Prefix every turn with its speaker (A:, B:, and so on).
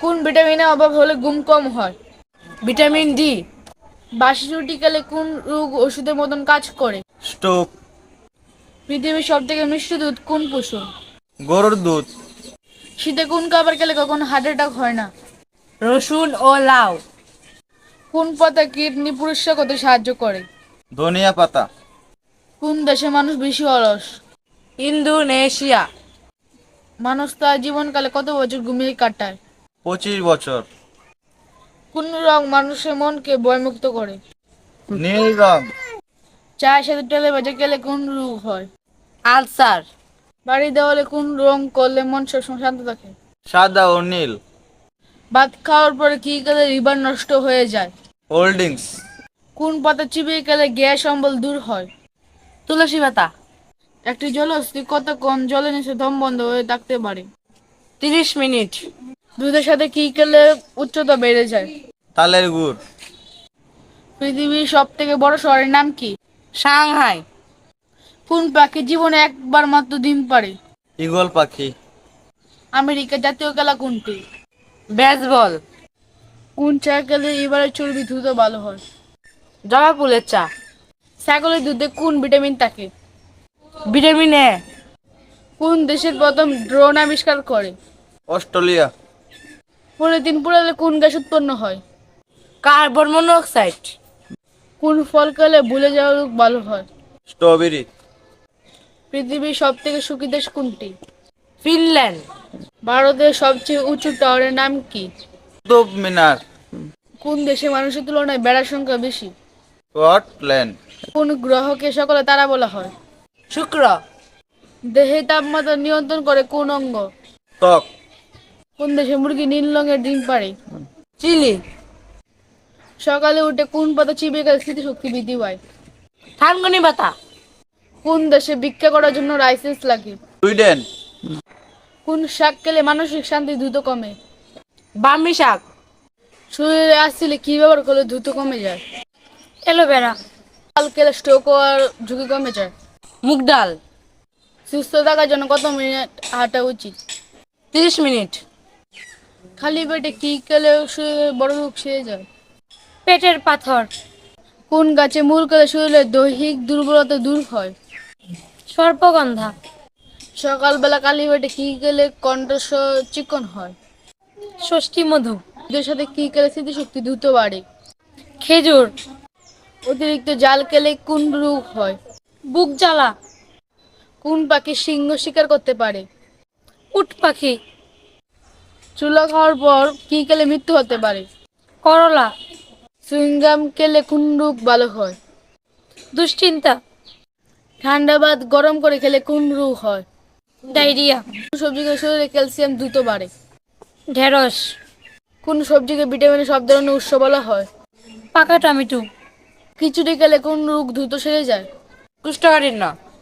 A: কোন ভিটামিনের অভাব হলে ঘুম কম হয়?
B: Vitamin D.
A: বাসি রুটি খেলে কোন রোগ ওষুধের মতন কাজ করে?
C: স্টোক।
A: পৃথিবীর সব থেকে মিষ্টি দুধ কোন পশু?
C: গরুর দুধ।
A: শীতে কোন খাবার খেলে কখনো হার্ট অ্যাটাক হয় না?
B: রসুন ও লাউ।
A: কোন পাতা কিডনি পরিষ্কার করতে সাহায্য করে?
C: ধনিয়া পাতা।
A: কোন দেশে মানুষ বেশি অলস?
B: ইন্দোনেশিয়া।
A: মানুষ তার জীবনকালে কত বছর ঘুমিয়ে কাটায়?
C: 25 বছর।
A: কোন রং মানুষের মনকে ভয়মুক্ত করে?
C: নীল রং।
A: চায়ের সাথে তেলে ভেজে খেলে কোন রোগ হয়?
B: আলসার।
A: বাড়ি দেওয়ালে কোন রং করলে মন সবসময় শান্ত থাকে?
C: সাদা ও নীল।
A: ভাত খাওয়ার পরে কি খেলে লিভার নষ্ট হয়ে যায়?
C: Cold drinks.
A: কোন পাতা চিবিয়ে খেলে গ্যাস অম্বল দূর হয়?
B: তুলসী পাতা।
A: একটি জলহস্তী কতক্ষণ জলের নিচে দম বন্ধ হয়ে থাকতে পারে?
B: 30 মিনিট।
A: দুধের সাথে কি খেলে উচ্চতা বেড়ে যায়?
C: তালের গুড়।
A: পৃথিবীর সব থেকে বড় শহরের নাম কি?
B: সাংহাই।
A: কোন পাখি জীবনে একবার মাত্র ডিম পারে?
C: ঈগল পাখি।
A: আমেরিকার জাতীয় খেলা কোনটি?
B: বেসবল।
A: কোন চা খেলে এবারে চর্বি দ্রুত ভালো হয়?
B: জবা ফুলের চা।
A: ছাগলের দুধে কোন ভিটামিন থাকে?
B: Vitamin A.
A: কোন দেশের প্রথম ড্রোন আবিষ্কার করে?
C: অস্ট্রেলিয়া।
A: পলিথিন পোড়ালে কোন গ্যাস উৎপন্ন হয়?
B: Carbon monoxide.
A: কোন ফল খেলে ভুলে যাওয়ার রোগ ভালো হয়?
C: স্ট্রবেরি।
A: পৃথিবীর সব থেকে সুখী দেশ কোনটি?
B: ফিনল্যান্ড।
A: ভারতের সবচেয়ে উঁচু টাওয়ারের নাম কি?
C: কুতুব মিনার।
A: কোন দেশে মানুষের তুলনায় বেড়ার সংখ্যা বেশি?
C: স্কটল্যান্ড।
A: কোন গ্রহকে সকলে তারা বলা হয়?
B: শুক্র।
A: দেহের তাপমাত্রা নিয়ন্ত্রণ করে কোন অঙ্গ?
C: ত্বক।
A: কোন দেশে মুরগি নীল রঙের ডিম পাড়ে?
B: চিলি।
A: সকালে উঠে কোন পাতা চিবিয়ে গেলে স্মৃতিশক্তি বৃদ্ধি পায়?
B: থানকুনি পাতা।
A: কোন দেশে ভিক্ষা করার জন্য লাইসেন্স লাগে?
C: সুইডেন।
A: কোন শাক খেলে মানসিক শান্তি দ্রুত কমে?
B: বার্মি শাক।
A: শরীরে আসলে কি ব্যবহার করলে দ্রুত কমে যায়?
B: অ্যালোভেরা।
A: ডাল খেলে স্ট্রোক হওয়ার ঝুঁকি কমে যায়?
B: মুগ ডাল।
A: সুস্থ থাকার জন্য কত মিনিট হাঁটা উচিত?
B: 30 মিনিট।
A: খালি পেটে কি খেলে শরীরে বড় রোগ সেরে যায়?
B: পেটের পাথর।
A: কোন গাছে মূল খেলে শরীরের দৈহিক দুর্বলতা দূর হয়?
B: সর্পগন্ধা।
A: সকালবেলা খালি পেটে কি খেলে কণ্ঠস্বর চিকন হয়?
B: ষষ্ঠী মধু।
A: দুধের সাথে কি খেলে স্মৃতিশক্তি দ্রুত বাড়ে?
B: খেজুর।
A: অতিরিক্ত জাল খেলে কোন রোগ হয়?
B: বুক জ্বালা।
A: কোন পাখি সিংহ শিকার করতে পারে?
B: উট পাখি।
A: চুলা খাওয়ার পর কি খেলে মৃত্যু হতে পারে?
B: করলা।
A: সুইংগাম খেলে কোন রোগ ভালো হয়?
B: দুশ্চিন্তা।
A: ঠান্ডা ভাত গরম করে খেলে কোন রোগ হয়?
B: ডায়রিয়া।
A: কোন সবজিকে শরীরে ক্যালসিয়াম দ্রুত বাড়ে?
B: ঢেঁড়স।
A: কোন সবজিকে ভিটামিনের সব ধরনের উৎস বলা হয়?
B: পাকা টমেটো।
A: খিচুড়ি খেলে কোন রোগ দ্রুত সেরে যায়?
B: কুষ্ঠকাঠিন্য।